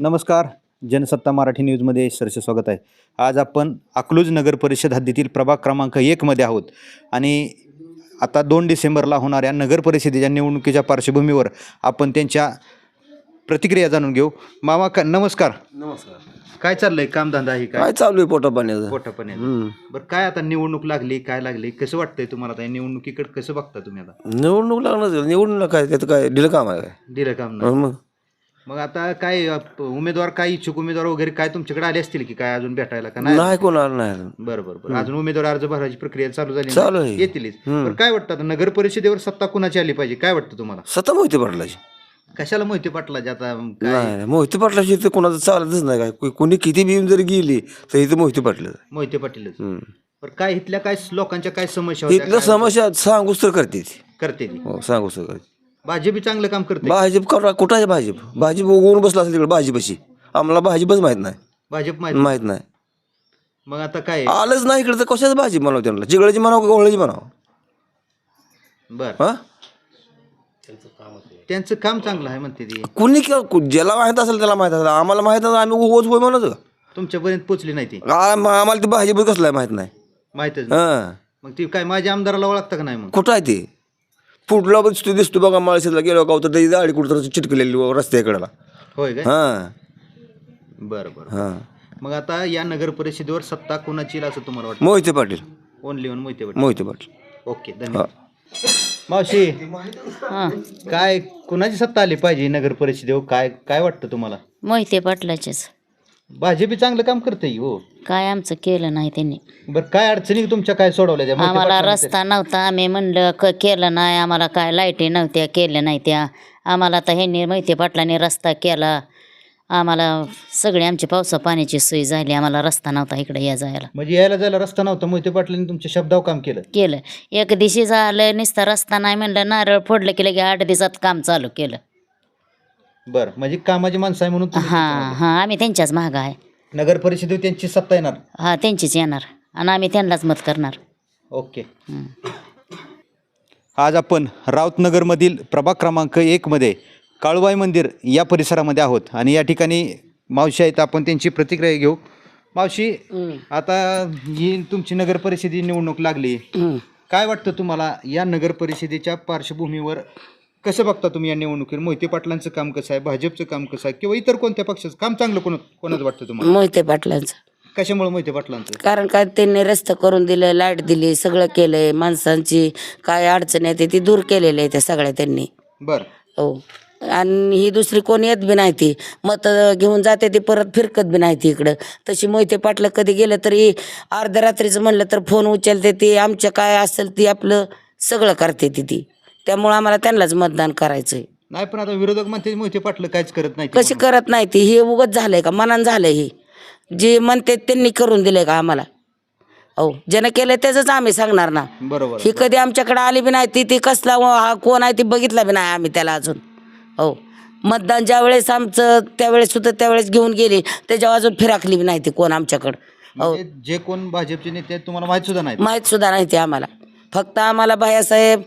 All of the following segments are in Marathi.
नमस्कार. जनसत्ता मराठी न्यूजमध्ये सरसे स्वागत आहे. आज आपण अकलूज नगर परिषद हद्दीतील प्रभाग क्रमांक 1 मध्ये आहोत आणि आता 2 डिसेंबरला होणाऱ्या नगर परिषदेच्या निवडणुकीच्या पार्श्वभूमीवर आपण त्यांच्या प्रतिक्रिया जाणून घेऊ. मामा नमस्कार. नमस्कार. काय चाललंय, कामधंदा आहे काय चालू आहे पोटापाण्याचं? पोटापाण्याचं. बरं, काय आता निवडणूक लागली, काय लागली, कसं वाटतंय तुम्हाला? आता निवडणुकीकडे कसं बघता तुम्ही? आता निवडणूक लागणार, निवडणूक काय त्याचं काय दिलं काम आहे काय? दिलं काम नाही. मग मग आता काय उमेदवार, काय इच्छुक उमेदवार वगैरे काय तुमच्याकडे आले असतील की काय अजून भेटायला का नाही? नाही कोणाला नाही. बरं बरं बरं. अजून उमेदवार अर्ज भरायची प्रक्रिया चालू झाली चालू नाही? आहे. येतीलच. बरं, काय वाटतं आता नगर परिषदेवर सत्ता कुणाची आली पाहिजे, काय वाटतं तुम्हाला? सत्ता मोहिते पाटलाची. कशाला मोहिते पाटलाची आता काय? नाही, मोहिते पाटलाची तर कोणाचं चालतच नाही. काय कोणी किती बी येऊन जरी गेली तर इथं मोहिते पाटलं. मोहिते पाटीलच. बरं, काय इथल्या काय लोकांच्या काय समस्या होत्या, इथलं काय समस्या सांगूच तर करते ती. करते ती? हो, सांगूच तर करते. भाजप चांगलं काम करते. भाजप करा, कुठं आहे भाजप? भाजप उगवून बसला असेल तिकडे भाजपशी. आम्हाला भाजपच माहित नाही. भाजप माहित नाही. मग आता काय? आलंच नाही इकडे तर कशाच भाजप म्हणावं त्यांना? जिगळाची म्हणावं का गोळ्याची म्हणावं? बरं, हा, त्यांचं काम चांगलं आहे म्हणते ती. कुणी ज्याला माहित असेल त्याला माहित असेल. आम्हाला माहित असेल आम्ही ओच होय म्हणत का? तुमच्यापर्यंत पोचली नाही ती? आम्हाला ते भाजप कसलं आहे माहित नाही. माहितच नाही. हां, मग ती काय माझ्या आमदाराला ओळखता का नाही? मग कुठं आहे ते? पुढला दिसतो बघा माळशेतला गेलो का तर त्याची दाढी कुठं तर चिटकलेली रस्त्याकडेला. होय काय? हां बरं बरं. हां. मग आता या नगर परिषदेवर सत्ता कोणाची येईल असं तुम्हाला वाटतं? Mohite Patil. Only one Mohite Patil. Mohite Patil. Okay, धन्यवाद. मावशी, काय कुणाची सत्ता आली पाहिजे नगर परिषदेवर, काय काय वाटतं तुम्हाला? मोहिते पाटलाचेच. भाजप चांगलं काम करते हो. काय आमचं केलं नाही त्यांनी. बरं, काय अडचणी तुमच्या काय सोडवल्या त्या मोहिते आम्हाला पाटलांनी? रस्ता नव्हता, आम्ही म्हणलं केलं नाही. आम्हाला काय लाईटी नव्हत्या, केल्या नाही त्या. आम्हाला आता ह्यांनी मोहिते पाटलांनी रस्ता केला. आम्हाला सगळी आमची पावसा पाण्याची सोय झाली. आम्हाला रस्ता नव्हता इकडे या जायला. म्हणजे यायला जायला रस्ता नव्हता, मोहिते पाटलांनी तुमच्या शब्दावर काम केलं. एक दिवशी झालं नुसता रस्ता नाही म्हणलं, नारळ फोडलं की लगे 8 दिवसात काम चालू केलं. बरं, म्हणजे कामाची माणसं आहे म्हणून तुम्ही हां हां, आम्ही त्यांच्याच मागं आहे. नगर परिषदेवर त्यांची सत्ता येणार. हां, त्यांचीच येणार आणि आम्ही त्यांनाच मत करणार. ओके. आज आपण राऊतनगरमधील प्रभाग क्रमांक 1 मध्ये काळूबाई मंदिर या परिसरामध्ये आहोत आणि या ठिकाणी मावशी आहेत, आपण त्यांची प्रतिक्रिया घेऊ. मावशी, आता ही तुमची नगर परिषदेची निवडणूक लागली, काय वाटतं तुम्हाला? या नगर परिषदेच्या पार्श्वभूमीवर कसं बघता तुम्ही या निवडणुकीवर? मोहिते पाटलांचं काम कसं आहे, भाजपचं काम कसं आहे, किंवा इतर कोणत्या पक्षाचं काम चांगलं कोणाचं वाटतं तुम्हाला? मोहिते पाटलांचं. कशामुळे मोहिते पाटलांचं? कारण काय त्यांनी रस्ते करून दिले, लाईट दिली, सगळं केलंय. माणसांची काय अडचण येते ती दूर केलेली आहे त्या सगळ्या त्यांनी. बरं. हो, आणि ही दुसरी कोणी येत बी नाही. ती मत घेऊन जाते ती परत फिरकत बी नाही ती इकडं. तशी मोहिते पाटलं कधी गेलं तरी अर्ध्या रात्रीचं म्हणलं तर फोन उचलते ती. आमचं काय असेल ती आपलं सगळं करते ती. त्यामुळे आम्हाला त्यांनाच मतदान करायचंय. नाही, पण आता विरोधक म्हणते मोहिते पाटलं काहीच करत नाही. कशी करत नाही ती? हे उगत झालंय का? मनान झालंय हे? जे म्हणते त्यांनी करून दिलंय का आम्हाला? हो, ज्यानं केलंय त्याचंच आम्ही सांगणार ना. बरोबर. ही कधी आमच्याकडे आली बी नाही. ती कसला हा कोण आहे ती बघितला बी नाही आम्ही त्याला अजून. हो, मतदान ज्या वेळेस आमचं त्यावेळेस सुद्धा त्यावेळेस घेऊन गेली, त्याच्यावर अजून फिराकली बी नाही ती कोण आमच्याकडं. हो, जे कोण भाजपचे नेते आहेत तुम्हाला माहित सुद्धा नाही? माहीत सुद्धा नाही ते आम्हाला. फक्त आम्हाला बायासाहेब,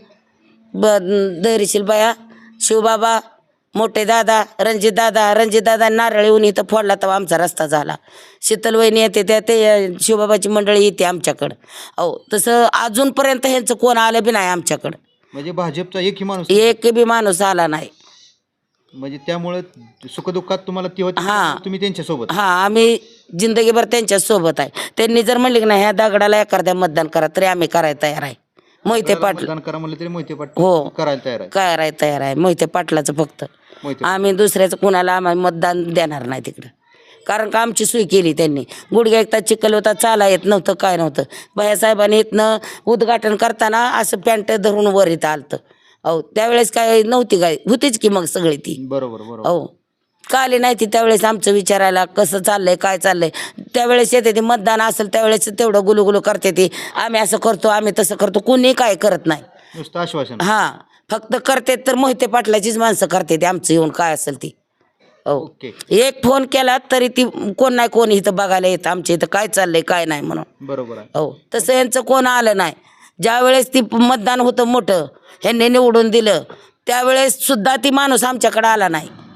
धैर्यशील बाया, शिवबाबा, मोठे दादा, रणजितदादा नारळ येऊन इथं फोडला तेव्हा आमचा रस्ता झाला. शीतलवहिनी येते त्या ते शिवबाबाची मंडळी येते आमच्याकडं. हो, तसं अजूनपर्यंत ह्यांचं कोण आलं बी नाही आमच्याकडं. म्हणजे भाजपचा एकही माणूस? एक बी माणूस आला नाही. म्हणजे त्यामुळे सुखदुःखात तुम्हाला ती होती, हां. तुम्ही त्यांच्यासोबत? हां, आम्ही जिंदगीभर त्यांच्या सोबत आहे. त्यांनी जर म्हणले की नाही ह्या दगडाला एखाद्या मतदान करा तरी आम्ही करायला तयार आहे. मोहिते पाटील मतदान करा म्हणलं तरी मोहिते पाटील हो करायला तयार आहे. करायला तयार आहे मोहिते पाटलाचं फक्त. आम्ही दुसऱ्याचं कुणाला आम्ही मतदान देणार नाही तिकडं. कारण का आमची सोय केली त्यांनी. गुडघ्या एकदा चिखल होता, चाला येत नव्हतं, काय नव्हतं. बायासाहेबांनी इथनं उद्घाटन करताना असं पॅन्ट धरून वर इथं आलतं. हो, त्यावेळेस काय नव्हती, काय होतीच की मग सगळी ती. बरोबर बरोबर. हो, का आली नाही ती त्यावेळेस आमचं विचारायला कसं चाललंय, काय चाललंय. त्यावेळेस येते ती मतदान असेल त्यावेळेस तेवढं गुलुगुलू करते ती. आम्ही असं करतो, आम्ही तसं करतो, कुणी काय करत नाही. नुसतं आश्वासन. हां, फक्त करते तर मोहिते पाटलाचीच माणसं करते ते आमचं येऊन काय असेल ती. हो, ओके. एक फोन केला तरी ती कोण नाही कोण इथं बघायला येतं आमच्या इथं काय चाललंय काय नाही म्हणून. बरोबर आहे. हो, तसं यांचं कोण आलं नाही. ज्या वेळेस ती मतदान होतं मोठं ह्यांनी निवडून दिलं त्यावेळेस सुद्धा ती माणूस आमच्याकडे आला नाही.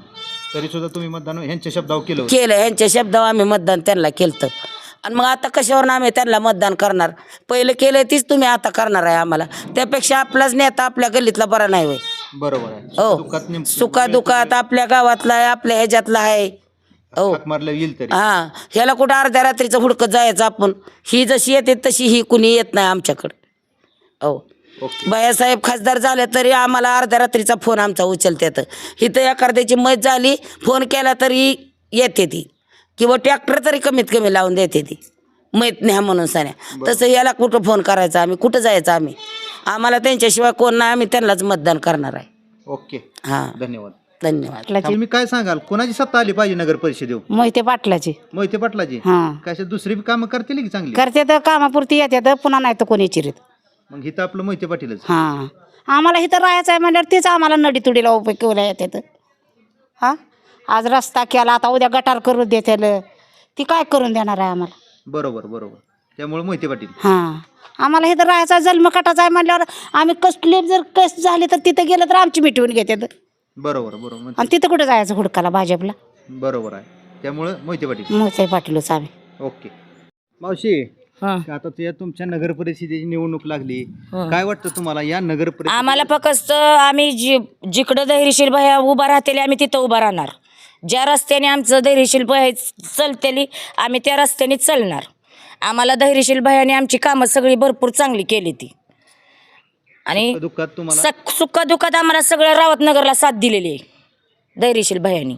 तरी सुद्धा तुम्ही मतदान ह्यांच्या शब्दावर केलं होतं. केलं ह्यांच्या शब्दावर आम्ही मतदान त्यांना केलं. आणि मग आता कशावर आम्ही त्यांना मतदान करणार? पहिलं केलं तीच तुम्ही आता करणार आहे आम्हाला. त्यापेक्षा आपलाच नेता आपल्या गल्लीतला बरा नाही होय. बरोबर आहे. हो, दुःखात सुखादुखात आपल्या गावातला आहे, आपल्या ह्याच्यातला आहे. हो हाक मारलं येईल तरी. हा, ह्याला कुठं अर्ध्या रात्रीचं हुडकत जायचं आपण? ही जशी येते तशी ही कुणी येत नाही आमच्याकडे. हो, बायासाहेब खासदार झाले तरी आम्हाला अर्ध्या रात्रीचा फोन आमचा उचलतात. इथं एखाद्याची मत झाली, फोन केला तरी येते ती, किंवा ट्रॅक्टर तरी कमीत कमी लावून देते ती, मैत न्या म्हणून सान्या. तसं याला कुठं फोन करायचा आम्ही, कुठं जायचं आम्ही? आम्हाला त्यांच्याशिवाय कोण नाही, आम्ही त्यांनाच मतदान करणार आहे. ओके, हां, धन्यवाद. धन्यवाद. तुम्ही काय सांगाल, कोणाची सत्ता आली पाहिजे नगर परिषदेवर? मोहिते पाटलाची मोहिते पाटलाची. हां, कशा दुसरी बी कामं करतील की चांगली? करते तर कामापुरती येते, पुन्हा नाही तर कोणी चिरीत. मग इथं आपलं मोहिते पाटीलच. हां, आम्हाला इथं राहायचं आहे म्हणल्यावर तेच आम्हाला नडीतुडीला उपयोगला येते. हां, आज रस्ता केला, आता उद्या गटार करून देतील, ती काय करून देणार आहे आम्हाला? बरोबर बरोबर. त्यामुळे मोहिते पाटील. हां, आम्हाला इथं राहायचा जन्म कटाचा आहे म्हणल्यावर आम्ही कसले जर कस झाले तर तिथं गेलं तर आमची मिटवून घेतात. बरोबर बरोबर. आणि तिथं कुठं जायचं हुडकाला भाजपला? बरोबर आहे. त्यामुळे मोहिते पाटील. मोहिते पाटीलच आम्ही. ओके. मावशी, आता तुमच्या नगर परिषदेची निवडणूक लागली, काय वाटतं तुम्हाला या नगर परिषद? आम्हाला फक्त आम्ही जिकडं धैर्यशील बाया उभा राहतेली आम्ही तिथं उभा राहणार. ज्या रस्त्याने आमचं धैर्यशील बाया चलतेली आम्ही त्या रस्त्याने चालणार. आम्हाला धैर्यशील बायाने आमची कामं सगळी भरपूर चांगली केली ती. आणि दुःखात तुम्हाला सुखदुःखात आम्हाला सगळं रावतनगरला साथ दिलेली आहे धैर्यशील बायानी.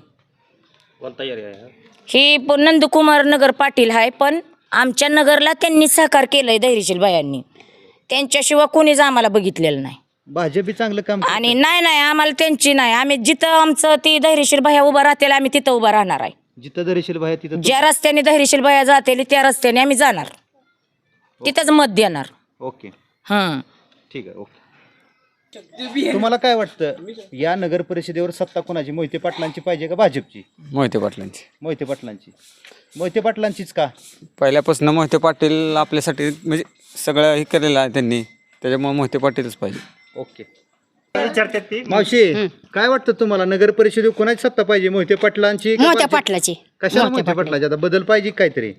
ही नंदकुमार नगर पाटील आहे, पण आमच्या नगरला त्यांनी सहकार केलंय धैर्यशील बायांनी. त्यांच्याशिवाय कोणीच आम्हाला बघितलेलं नाही. भाजप चांगलं काम करते. आणि नाही आम्हाला त्यांची नाही. आम्ही जिथं आमचं ती धैर्यशील बाया उभा राहतील आम्ही तिथं उभा राहणार आहे. जिथं धैर्यशील बाया तिथं ज्या रस्त्याने धैर्यशील बाया जातील त्या रस्त्याने आम्ही जाणार, तिथंच मत देणार. ओके, हं. ठीक आहे. ओके. तुम्हाला काय वाटतं, या नगर परिषदेवर सत्ता कोणाची, मोहिते पाटलांची पाहिजे का भाजपची? मोहिते पाटलांची. मोहिते पाटलांची. मोहिते पाटलांचीच का? पहिल्यापासून मोहिते पाटील आपल्यासाठी म्हणजे सगळं हे केलेलं आहे त्यांनी, त्याच्यामुळे मोहिते पाटीलच पाहिजे. ओके. मावशी, काय वाटतं तुम्हाला, नगर परिषदेवर कोणाची सत्ता पाहिजे, मोहिते पाटलांची का मोहिते भाजप? पाटलाची. कशाला मोहिते पाटलाची? आता बदल पाहिजे काहीतरी.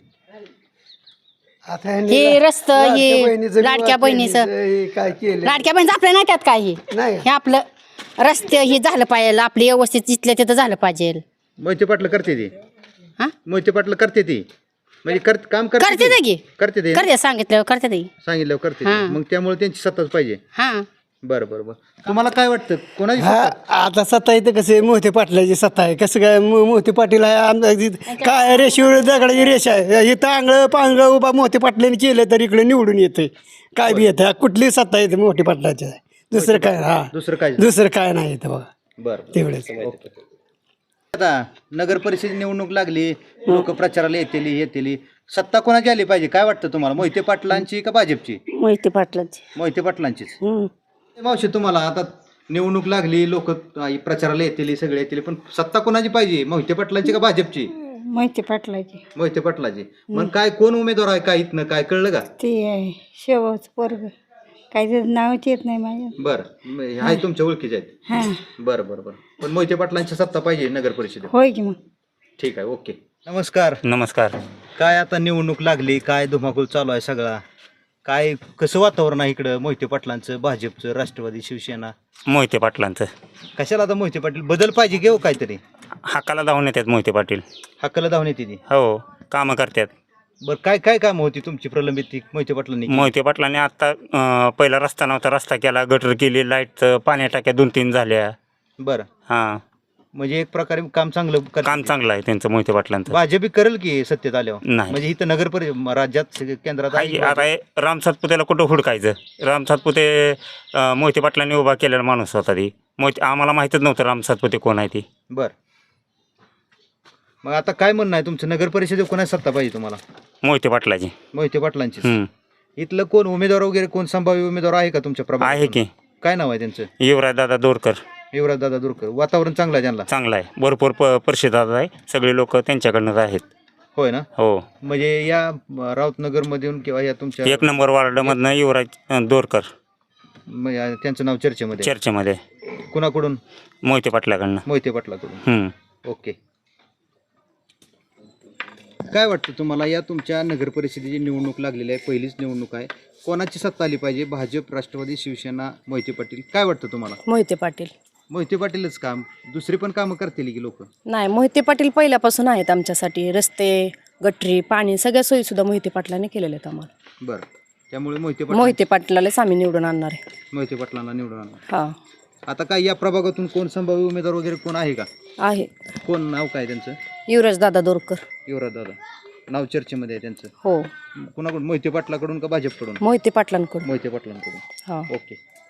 हे रस्तं, हे लाडक्या बहिणीचं, लाडक्या बहिणीचं आपल्या नाही त्यात काही. हे आपलं रस्ते हे झालं पाहिजे, आपले व्यवस्थित तिथल्या तिथं झालं पाहिजे. मोहिते पाटला करते ती. हा? मोहिते पाटला करते ती म्हणजे काम करते ते की करते ते करते, सांगितलं करते ते. सांगितलं करते ते. मग त्यामुळे त्यांची सत्ताच पाहिजे. हां, बरं बरं बरं. तुम्हाला काय वाटतं, कोणाची हा, सत्ता? आता सत्ता इथं कसं आहे, मोहिते पाटलाची सत्ता आहे. कसं काय, मोहिते पाटील आहे आमचा, काय रेषेवर दगडाची रेष आहे. इथं आंगळं पांगळं उभा मोहिते पाटलाने केलं तर इकडे निवडून येते. काय बी येतं, कुठली सत्ता येते मोहिते पाटलाची आहे. दुसरं काय, हा दुसरं काय नाही येतं बघा. बरं. तेवढेच. आता नगर परिषद निवडणूक लागली, लोक प्रचाराला येतील. सत्ता कोणाची आली पाहिजे काय वाटतं तुम्हाला, मोहिते पाटलांची का भाजपची? मोहिते पाटलाची. मोहिते पाटलांचीच. मावशी, तुम्हाला आता निवडणूक लागली, लोक प्रचाराला येतील, सगळे येतील, पण सत्ता कोणाची पाहिजे, मोहिते पाटलांची का भाजपची? मोहिते पाटलाची. मोहिते पाटलाची. मग काय कोण उमेदवार आहे, काय इथनं काय कळलं का? ते शेवच पोरग, काही नावच येत नाही माझ्या. बरं, आहे तुमच्या ओळखीचे आहेत. बरं बरं बरं. पण मोहिते पाटलांची सत्ता पाहिजे नगर परिषदेत. होय की मग. ठीक आहे. ओके. नमस्कार. नमस्कार. काय आता निवडणूक लागली, काय धुमाकूळ चालू आहे सगळा, काय कसं वातावरण आहे इकडं, मोहिते पाटलांचं, भाजपचं, राष्ट्रवादी, शिवसेना? मोहिते पाटलांचं. कशाला आता मोहिते पाटील बदल पाहिजे घेऊ काहीतरी? हाकाला धावून येतात मोहिते पाटील. हक्काला धावून येते ती. हो, कामं करतात. बरं, काय काय काम होती तुमची प्रलंबित ती मोहिते पाटलांनी? मोहिते पाटलांनी आता पहिला रस्ता नव्हता, रस्ता केला, गटर केली, लाईटचं पाण्या टाक्या 2-3 झाल्या. बरं, हां, म्हणजे एक प्रकारे काम चांगलं काम चांगलं आहे त्यांचं मोहिते पाटलांचं. भाजप करेल की सत्तेत आल्यावर? नाही. म्हणजे इथं नगर राज्यात केंद्रात आहे. आता हे राम सातपुतेला कुठं हुडकायचं? राम सातपुते मोहिते पाटलांनी उभा केलेला माणूस होता ती. आम्हाला माहीतच नव्हतं राम सातपुते कोण आहे ती. बरं, मग आता काय म्हणणं आहे तुमचं, नगर परिषदेत कोणाची सत्ता पाहिजे तुम्हाला? मोहिते पाटलाची. मोहिते पाटलांची. हं. इथलं कोण उमेदवार वगैरे, कोण संभाव्य उमेदवार आहे का तुमच्या आहे प्रभागात? की. काय नाव आहे त्यांचं? युवराज दादा दोरकर. युवराज दादा दुरकर. वातावरण चांगलं आहे त्यांना? चांगला आहे, भरपूर परिषद आहे, सगळे लोक त्यांच्याकडनं आहेत. होय ना? हो. म्हणजे या राऊतनगर मधून किंवा या तुमच्या 1 नंबर वार्डमधनं युवराज दोरकर त्यांचं नाव चर्चेमध्ये? चर्चेमध्ये. कुणाकडून? मोहिते पाटलाकडनं. मोहिते पाटलाकडून. हं. ओके. काय वाटतं तुम्हाला या तुमच्या नगर परिषदेची निवडणूक लागलेली आहे, पहिलीच निवडणूक आहे, कोणाची सत्ता आली पाहिजे? भाजप, राष्ट्रवादी, शिवसेना, मोहिते पाटील? काय वाटतं तुम्हाला? मोहिते पाटील. मोहिते पाटीलच काम, दुसरी पण कामं करतील की लोक? नाही, मोहिते पाटील पहिल्यापासून आहेत आमच्यासाठी. रस्ते, गटरी, पाणी सगळ्या सोयी सुद्धा मोहिते पाटलाने केलेल्या आहेत आम्हाला. बरं, त्यामुळे मोहिते मोहिते पाटलालाच आम्ही निवडून आणणार आहे. मोहिते पाटलांना निवडून आणणार. हा आता काय या प्रभागातून कोण संभाव्य उमेदवार वगैरे कोण आहे का? आहे. कोण, नाव काय त्यांचं? युवराज दादा दोरकर. युवराज दादा नाव चर्चेमध्ये आहे त्यांचं. हो, कुणाकडून, मोहिते पाटलाकडून का भाजपकडून? मोहिते पाटलांकडून. मोहिते पाटलांकडून. हा. ओके.